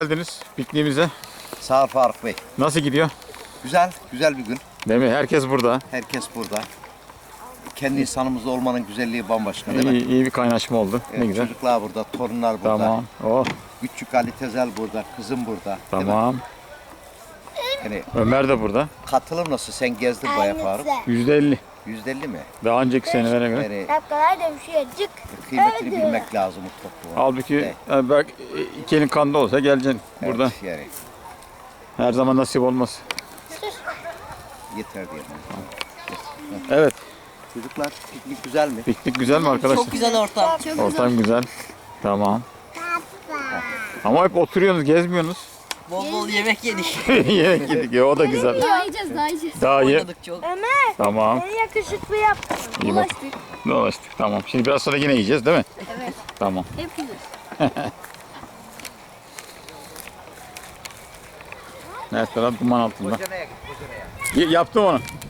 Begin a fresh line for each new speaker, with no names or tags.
Geldiniz pikniğimize.
Sağ ol Faruk Bey.
Nasıl gidiyor?
Güzel, güzel bir gün.
Değil mi? Herkes burada.
Herkes burada. Kendi insanımızda olmanın güzelliği bambaşka değil mi?
İyi bir kaynaşma oldu.
Evet,
Ne güzel.
çocuklar burada, torunlar burada.
Tamam. Oh,
Küçük Ali Tezel burada, kızım burada. değil mi?
tamam.
Yani
Ömer de burada.
katılım nasıl? Sen gezdin bayağı Faruk.
%50.
%50 mi?
Daha önceki senelere göre.
Yani
Dakikalar da bir şey acık.
kıymetini bilmek lazım bu toplumun.
Halbuki
Evet.
belki iki elin kanda olsa geleceksin burada.
Evet, yani
Her zaman nasip olmaz.
yeter diyelim.
Evet.
Çocuklar piknik güzel mi?
Piknik güzel mi arkadaşlar?
Çok güzel ortam.
Ortam güzel. Tamam. Ama hep oturuyorsunuz, gezmiyorsunuz.
Bol bol yemek yedik.
Yemek yedik ya, o da güzel.
Daha yiyeceğiz, daha yiyeceğiz.
Daha iyi.
Oynadık çok.
Ömer,
Tamam.
en yakışıklı yaptın.
İyi bak. Dolaştık. Tamam. Şimdi biraz sonra yine yiyeceğiz değil mi?
Evet.
Tamam.
Hep yiyeceğiz.
Her taraf duman altında.
Kocanaya git, kocanaya.
Yaptım onu.